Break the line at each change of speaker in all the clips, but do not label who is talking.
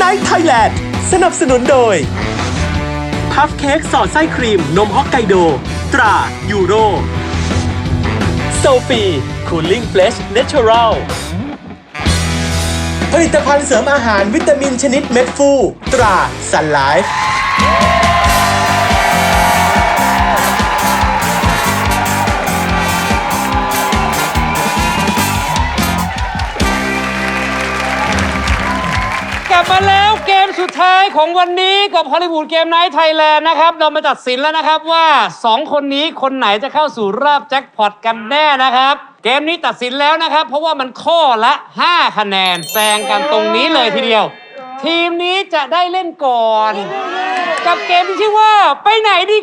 Night Thailand สนับสนุนโดยพัฟเค้กสอดไส้ครีมนมฮอกไกโดตรายูโรโซฟีคูลิ่งเฟลชเนเชอรัลผลิตภัณฑ์เสริมอาหารวิตามินชนิดเม็ดฟูตราซันไลฟ์
กลับมาแล้วเกมสุดท้ายของวันนี้กับฮอลลีวูดเกมไนท์ไทยแลนด์นะครับเรามาตัดสินแล้วนะครับว่า2คนนี้คนไหนจะเข้าสู่รอบแจ็คพอตกันแน่นะครับเกมนี้ตัดสินแล้วนะครับเพราะว่ามันข้อละ5คะแนนแซงกันตรงนี้เลยทีเดียวทีมนี้จะได้เล่นก่อนกับเกมที่ชื่อว่าไปไหนดี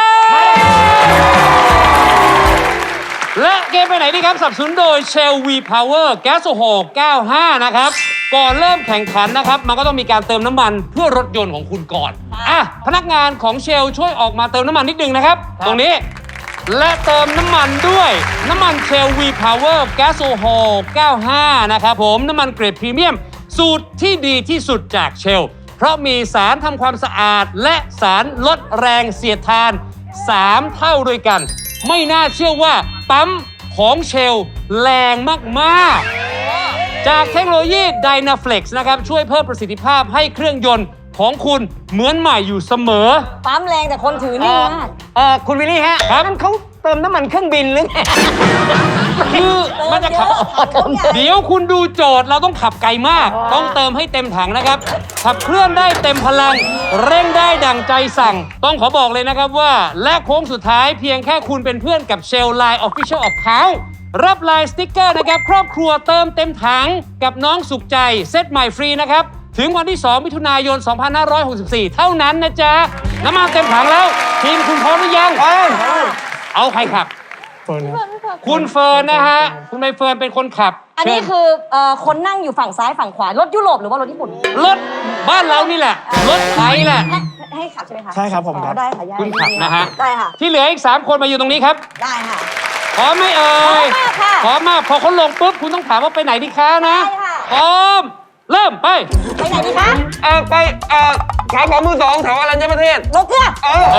ครับและเกมไปไหนดีครับสนับสนุนโดย Shell V Power แก๊สโซฮอล์95นะครับก่อนเริ่มแข่งขันนะครับมันก็ต้องมีการเติมน้ำมันเพื่อรถยนต์ของคุณก่อนพนักงานของ Shell ช่วยออกมาเติมน้ำมันนิดนึงนะครับตรงนี้และเติมน้ำมันด้วยน้ำมัน Shell V Power แก๊สโซฮอล์95นะครับผมน้ำมันเกรดพรีเมียมสูตรที่ดีที่สุดจาก Shell เพราะมีสารทำความสะอาดและสารลดแรงเสียดทาน3เท่าด้วยกันไม่น่าเชื่อว่าปั๊มของเชลแรงมากๆจากเทคโนโลยี Dynaflex นะครับช่วยเพิ่มประสิทธิภาพให้เครื่องยนต์ของคุณเหมือนใหม่อยู่เสมอ
ปั๊มแรงแต่คนถือนิ่งมาก
คุณวิลลี่ฮะนั่นเขาเติมน้ำมันเครื่องบินหรือไงคือมันจะขับเดี๋ยวคุณดูโจทย์เราต้องขับไกลมากต้องเติมให้เต็มถังนะครับขับเคลื่อนได้เต็มพลังเร่งได้ดั่งใจสั่งต้องขอบอกเลยนะครับว่าและโค้งสุดท้ายเพียงแค่คุณเป็นเพื่อนกับ Shell Line Official Account รับไลน์สติ๊กเกอร์นะครับครอบครัวเติมเต็มถังกับน้องสุขใจเซตใหม่ฟรีนะครับถึงวันที่2มิถุนายน2564เท่านั้นนะจ๊ะน้ำมันเต็มถังแล้วทีมคุณพร้อมหรือยังเอาใครขับคุณเฟิร์นนะฮะคุณใบเฟิร์นเป็นคนขับ
อันนี้คือคนนั่งอยู่ฝั่งซ้ายฝั่งขวารถยุโรปหรือว่ารถญี่ปุ่น
รถบ้านเรานี่แหละรถไทยแหละ
ให้ขับใช่ไหมคะ
ใช่ครับผมครับ
ได้ค่ะ
คุณขับนะฮะ
ได้ค่ะ
ที่เหลืออีก3คนมาอยู่ตรงนี้ครับ
ได้ค่ะ
พร้อมไหมเอ่ยพร้อมมากพอเขาลงปุ๊บคุณต้องถามว่าไปไหนดีคะนะพร้อมเริ่มไป
ไหนดีคะ
ไปขายของมือสองแถวอรัญญประเทศ
โลเกลือ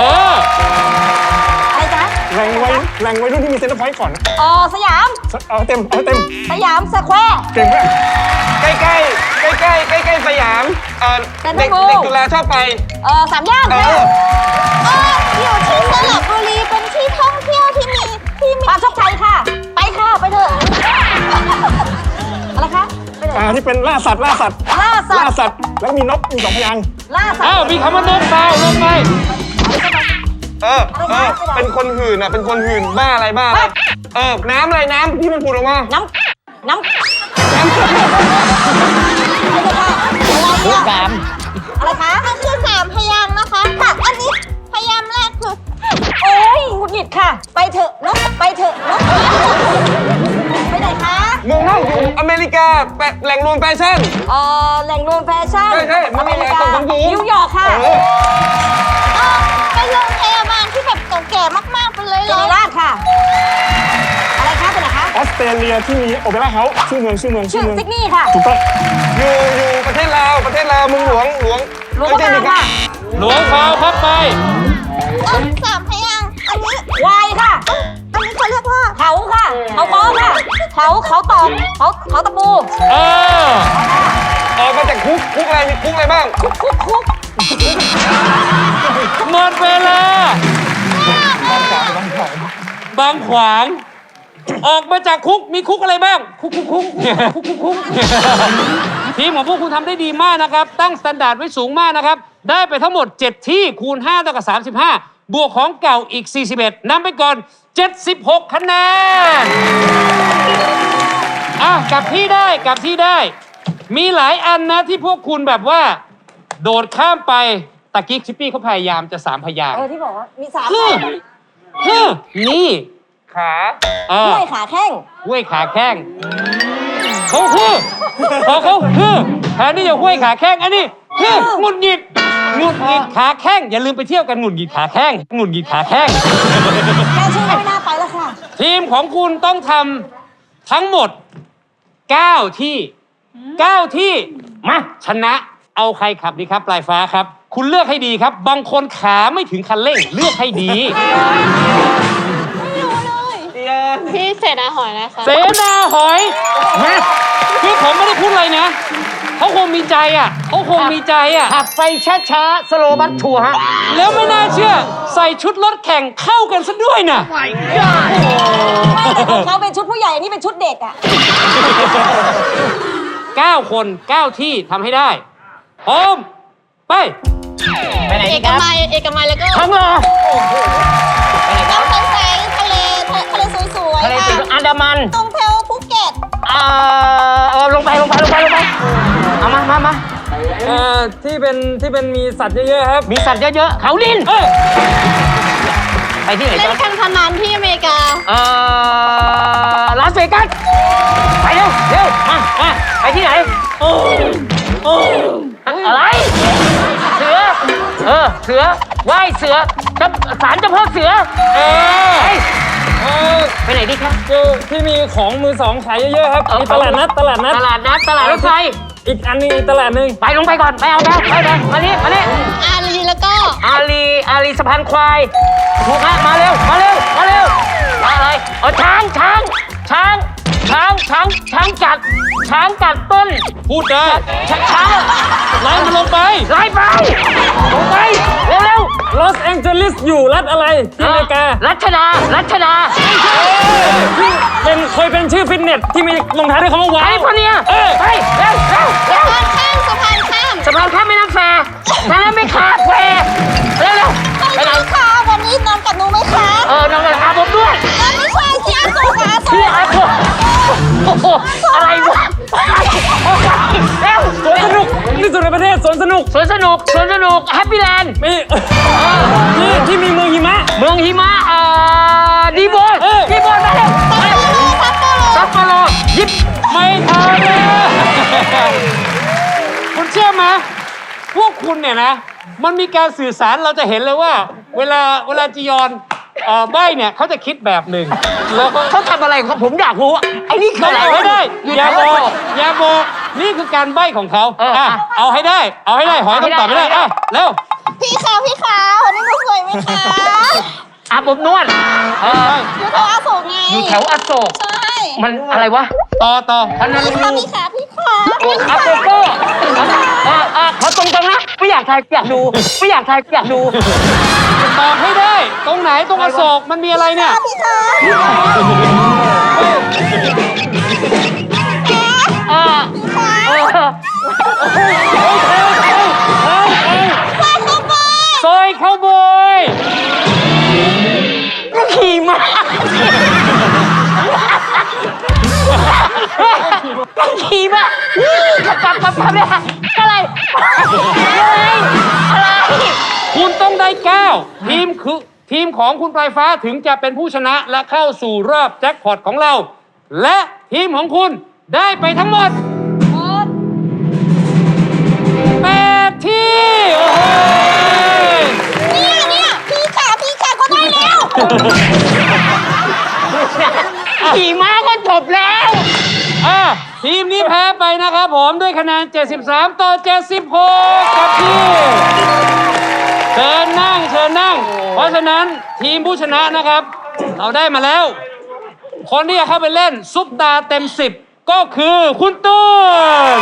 อะไรจ๊ะ
แรงไว้รุ่นที่มีเซ็นเตอร์พอยต์ก่อน
สยาม
เอาเต็ม
สยามสแควร์
เก่งมาก
ใกล้สยามเด็กจุฬาชอบไป
สามย่าน
อยู่ที่สระบุรีเป็นที่ท่องเที่ยวที่มี
ปามโชคชัยค่ะไปค่ะไปเถอะอะไรคะ
ที่เป็นล่าสัตว์แล้วมีนกมี2 พยางค์
ล่าสัตว์
มีคำว่านกดาวลงไป
เป็นคนหื่นเป็นคนหื่นบ้าอะไรน้ำอะไรน้ำที่มันผุดออกมา
น้ำอะไรคะ
มันคือ3 พยางค์นะคะค่ะอันนี้พยางค์แรกคือ
โอ้ยหงุดหงิดค่ะไปเถอะนกไปไหนคะ
เมืองนอกอยู่อเมริกาแหล่งรวมแฟชั่น
แหล่งรวมแฟชั่น
ใช่
อเมริกานิวยอร์กค่ะ
เป็นโรงพยาบาลที่แบบเก่าแก่มากๆไปเลย
ศิริราชค่ะอะไรคะเป็นไหนคะ
ออสเตรเลียที่มีโอเปร่าเฮาส์ชื่อเมือง
ซิดนีย์ค่ะ
ถูกต้อง
อยู่ประเทศลาวเมืองหลวง
ค่ะ
หลวงพาวครับไป
3 พยางค์อันนี้
วายค่ะ
อันนี้เขาเรียกว่า
เขาค่ะเขาค้อค่ะเขาตอกเขาตะปู
ออกมาจากคุกอะไรมีคุกอะไรบ้าง
คุก
หมดเวลาบางขวางออกมาจากคุกมีคุกอะไรบ้างคุกทีมของพวกคุณทำได้ดีมากนะครับตั้งสแตนดาร์ดไว้สูงมากนะครับได้ไปทั้งหมด7ที่คูณ5เท่ากับ35บวกของเก่าอีก41นำไปก่อน76คะแนนกลับที่ได้มีหลายอันนะที่พวกคุณแบบว่าโดดข้ามไปตะกี้ชิปปี้เขาพยายามจะ3 พยางค์
ที่บอกว่ามี3
นี่
ขา
ห้วยขาแข้ง
เขาพอเขาแทนที่จะห้วยขาแข้งอันนี้หงุดหงิดขาแข้งอย่าลืมไปเที่ยวกันหงุดหงิดขาแข้ง
แค่ชื่อไม่น่าไปแล้วค่ะ
ทีมของคุณต้องทำทั้งหมด9 ที่มาชนะเอาใครขับดีครับปลายฟ้าครับ คุณเลือกให้ดีครับ บางคนขาไม่ถึงคันเร่งเลือกให้ดี
พี่เศษอาหอยนะคะ
เสนาหอยคือผมไม่ได้พูดอะไรนะเขาคงมีใจอ่ะเขาคงมีใจอ่ะ
ขับไปช้าๆสโลบัสทัวร์ฮะ
แล้วไม่น่าเชื่อ ใส่ชุดรถแข่งเข้ากันซะด้วยน่ะ
แต่ของเขาเป็นชุดผู้ใหญ่ นี่เป็นชุดเด็กอ่ะ
9 คน 9 ที่ทำให้ได้พร้อมไป
ไปไหน
เอ
ดี
ก
ครับ
มัยแล้วก็
ทั้งเหรอ
น้ำแสงทะเลสวย
ทะเล
ๆ
สี
ค่ะ
อันดามัน
ตรงแถวภูเก็ต
ลงไปเอามา
ที่เป็นมีสัตว์เยอะๆครับ
มีสัตว์เยอะๆเขาลินไปที่ไหน
เล่น
จ๊ะ
การพนันที่อเมริกา
ลาสเวกัสไปเร็วมาไปที่ไหนอะไร เสือว่ายเสือศาลเจ้าพ่อเสือไปไหนดีครับ
ที่มีของมือสองขายเยอะๆครับ มีตลาดนัด
ตลาดรถไฟ
อีกอันนึงอีกตลาดหนึ่ง
ไปลงไปก่อนไปเอาไปมานี่
อารีแล้วก็
อาลีสะพานควายถูกฮะมาเร็วอะไรช้างกัดต้น
พูดได้
ช้าง
ไล่มันลงไป
ไล่ไปลงไปเร็ว
ลอสแองเจลิสอยู่รัฐอะไรที่อเมริกา
รัชดา
ที่เคยเป็นชื่อฟิตเนสที่มีลงท้ายด้วยคำว่าว้า
ไอ้
ว
พวกเนี้ยไปเร็ว
สะพานข้าม
สะพานข้ามแม่น้ำแฟนั่นไม่ขาดแฟเร็วไปไหน
ค่ะวันนี้นอนกับหนูไหมคะ
น้องกระทาผมด้วย
ไม่ใช่ที่อาโซค่ะอาโซ
พี่อาโกโอ้โหอะไรวะเร็ว
สวนสนุกที่สุดในประเทศสวนสนุก
สวนสนุกแฮปปี้แลนด์
มีที่มีเมืองหิมะ
เมืองหิมะดีโบนมาเร็วซัปโปโรยิบ
ไม่ทันเลยคุณเชื่อไหมพวกคุณเนี่ยนะ มันมีการสื่อสารเราจะเห็นเลยว่า เวลาจียอนใบ้เนี่ยเขาจะคิดแบบหนึ่งแล้วก็
เขาทำอะไรของเขาผมอยากรู้ไอ้นี่คือ
ต้อง
อะไร
เอาให้ได้
อยู่
อย่า
แถว
บอกอย่าบอกนี่คือการใบ้ของเขาเอาให้ได้หอยต้องตอบไม่ได้เร็ว
พี่ขาววันนี้หนูสวยไหมคะ
อาบอบนวด
อยู่แถวอาโศกไง
อยู่แถวอโศก
ใช่
มันอะไรวะ
ต่อ
พันนา
พี่
ลู
ขาพี่ขา
อาโกโก้ขอตรงๆนะไม่อยากทายอยากดู
ตอบให้ได้ ตรงไหนตรงอโศกมันมีอะไรเนี่ย
พี่ขา
ซอยเข้าบอย
ขี่ม้าขี่ม้าปับเนี่ยอะไร
คุณต้องได้9ทีมของคุณปลายฟ้าถึงจะเป็นผู้ชนะและเข้าสู่รอบแจ็คพอตของเรา และทีมของคุณได้ไปทั้งหมด 8 ที่ โอ้โห
เนี่ยพี่ขาก็ได้แล้ว
ขี่ม้าก็จบแล้ว
ทีมนี้แพ้ไปนะครับผมด้วยคะแนน 73 ต่อ 76 กับที่เชิญนั่ง เพราะฉะนั้นทีมผู้ชนะนะครับ เราได้มาแล้ว คนที่จะเข้าไปเล่นซุปตาเต็ม 10 ก็คือคุณตูน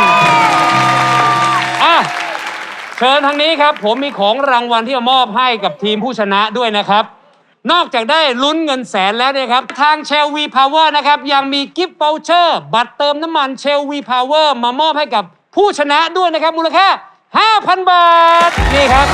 เชิญทางนี้ครับ ผมมีของรางวัลที่จะมอบให้กับทีมผู้ชนะด้วยนะครับ นอกจากได้ลุ้นเงินแสนแล้วเนี่ยครับ ทางเชลวีพาวเวอร์นะครับ ยังมีกิฟต์ v วเชอร์บัตรเติมน้ำมันเชลวีพาวเวอร์มามอบให้กับผู้ชนะด้วยนะครับ มูลค่า 5,000 บาท นี่ครับ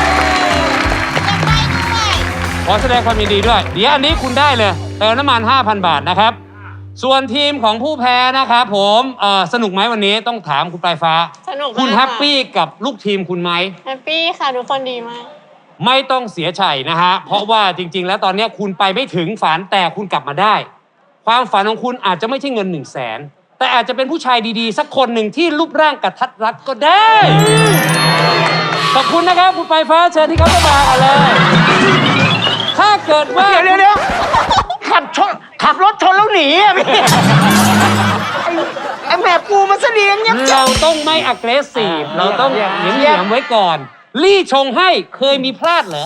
ขอแสดงความยินดีด้วย เดี๋ยวอันนี้คุณได้เลยเติมน้ำมัน 5,000 บาทนะครับ ส่วนทีมของผู้แพ้นะครับผมสนุกไหมวันนี้ต้องถามคุณปลายฟ้า
สนุก
คุณแฮปปี้กับลูกทีมคุณไหม
แฮปปี้ค่ะทุกคนดีมาก
ไม่ต้องเสียใจนะฮะ เพราะว่าจริงๆ แล้วตอนนี้คุณไปไม่ถึงฝันแต่คุณกลับมาได้ ความฝันของคุณอาจจะไม่ใช่เงิน100,000แต่อาจจะเป็นผู้ชายดีๆ สักคนหนึ่งที่รูปร่างกระทัดรัดก็ได้ ขอบคุณนะครับคุณปลายฟ้าเชิญที่เขาจะมากันเลย ถ้าเกิดว่า
เดี๋ยวขับรถชนแล้วหนีอ่ะพี่ไอ้แม่ปูมันเสนียงเงียบ
เราต้องไม่ aggressive เราต้องเหยียมๆไว้ก่อน ลี่ชงให้เคยมีพลาดเหรอ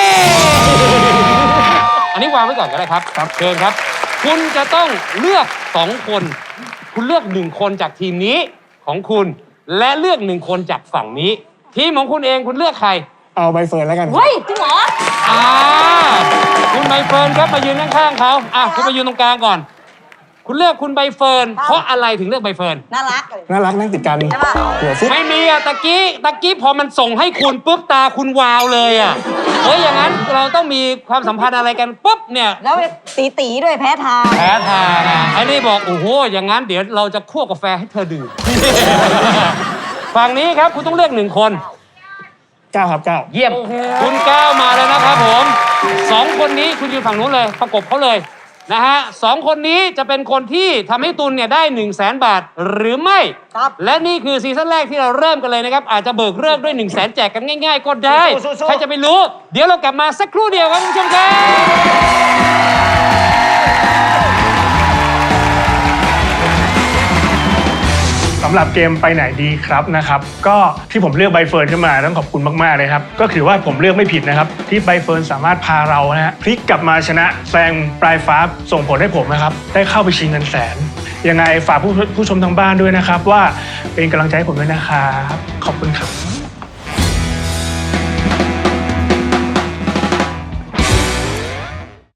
อันนี้วางไว้ก่อนก็ได้ครับเชิญครับ คุณจะต้องเลือก2 คน คุณเลือก1 คนจากทีมนี้ของคุณ และเลือก1 คนจากฝั่งนี้ ทีมของคุณเองคุณเลือกใคร
เอาใบเฟิร์นแล้วกันครับ
เฮ้ยจริงเหรอ
คุณใบเฟิร์นครับมายืนข้างๆเขาคุณมายืนตรงกลางก่อน คุณเลือกคุณใบเฟิร์นเพราะอะไรถึงเลือกใบเฟิร์น
น่ารักเลย
น่ารักนั่งติดกัน
ใช่ปะ
หัวฟุบ
ไม่มีอะตะกี้พอมันส่งให้คุณปุ๊บตาคุณวาวเลยอะอย่างนั้นเราต้องมีความสัมพันธ์อะไรกันปุ๊บเนี่ย
แล้วตีด้วยแพ้ทาง
แพ้ทางอะไอ้นี่บอกโอ้โหอย่างนั้นเดี๋ยวเราจะคั่วกาแฟให้เธอดื่ม ฝั่งนี้ครับคุณต้องเลือก1 คน
9 ครับ 9
เยี่ยม
คุณก้าวมาแล้วนะครับผม2 คนนี้คุณยืนฝั่งนู้นเลยประกบเขาเลยนะฮะ2 คนนี้จะเป็นคนที่ทำให้ตุลเนี่ยได้ 100,000 บาทหรือไม่
ครับ
และนี่คือซีซั่นแรกที่เราเริ่มกันเลยนะครับ อาจจะเบิกเลิกด้วย 100,000 แจกกันง่ายๆ ก็ได้
สู้ๆๆ
ใครจะไปรู้ เดี๋ยวเรากลับมาสักครู่เดียวครับคุณผู้ชมครับ
สำหรับเกมไปไหนดีครับนะครับก็ที่ผมเลือกใบเฟิร์นขึ้นมาต้องขอบคุณมากๆเลยครับก็ถือว่าผมเลือกไม่ผิดนะครับที่ใบเฟิร์นสามารถพาเรานะฮะพลิกกลับมาชนะแซงปลายฟ้าส่งผลให้ผมนะครับได้เข้าไปชิงเงินแสนยังไงฝากผู้ชมทางบ้านด้วยนะครับว่าเป็นกำลังใจให้ผมด้วยนะครับขอบคุณครับ